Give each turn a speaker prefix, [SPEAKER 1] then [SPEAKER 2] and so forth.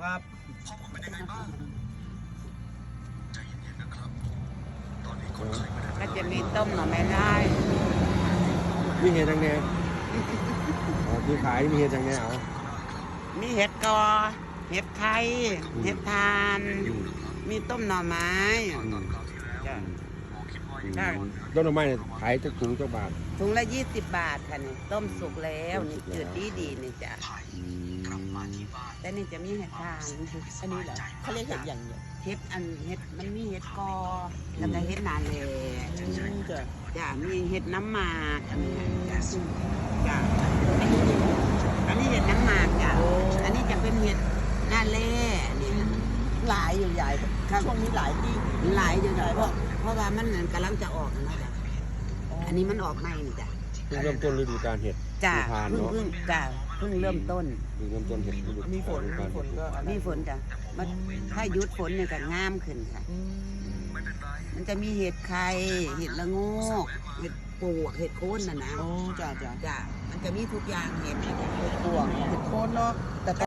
[SPEAKER 1] ครับ
[SPEAKER 2] ก็จะมีต้มหน่อไม้ไล่
[SPEAKER 3] มีเห็ดจังแน่อ๋อที่ขายมีเห็ดจังแน่เอา
[SPEAKER 2] มีเห็ดกอเห็ดไข่เห็ดทาน มีต้มหน่อไม้จ้ะ ได้
[SPEAKER 3] ต้นไม้เนี่ยขายจะถุงเจ้าบาท
[SPEAKER 2] ถุงละ20 บาทค่ะนี่ต้มสุกแล้วนี่จืดดีนี่จ้ะ
[SPEAKER 3] อืม
[SPEAKER 2] แต่นี่จะมีเห็ดทาน
[SPEAKER 1] อันนี้เหรอเขาเรียกเห็ดอย่างเดียว
[SPEAKER 2] เห็ดมันมีเห็ดกอแล้วก็เห็ดนาเล
[SPEAKER 1] จ้ะ
[SPEAKER 2] จ้ะมีเห็ดน้ำหมากอันนี้จ้ะจ้ะอันนี้เห็ดน้ำหมากจ้ะอันนี้จะเป็นเห็ดนาเล่เนี่ย
[SPEAKER 1] หลายอยู่ใหญ่ช่วงนี้หลายที่
[SPEAKER 2] หลายอยู่จ้ะเพราะว่ามันกำลังจะออกนะจ้ะอันนี้มันออกใหม่นี่จ้ะ
[SPEAKER 3] เพิ่งเริ่มต้นฤดูกาลเห็ด
[SPEAKER 2] จ้ะ
[SPEAKER 3] ทาน
[SPEAKER 2] เพิ่ง
[SPEAKER 3] เนาะ
[SPEAKER 2] เพิ่งจ้ะเพิ่งเริ่มต้น
[SPEAKER 3] เพิ่งเริ่มต้นเห็ดฤดู
[SPEAKER 1] มีฝน
[SPEAKER 3] ฤดูกาล
[SPEAKER 1] ก็อะไร
[SPEAKER 2] มีฝนจ้ะมันถ้าหยุดฝนเนี่ยก็งามขึ้นค่ะ
[SPEAKER 1] อืม
[SPEAKER 2] มันจะมีเห็ดไข่เห็ดละโงกเห็ดปวกเห็ดโคนน่ะนะ
[SPEAKER 1] อ๋อจ้ะ
[SPEAKER 2] จ้ะมันจะมีทุกอย่างเห็ด
[SPEAKER 1] เห็ดปวกเห็ดโคนเนาะแต่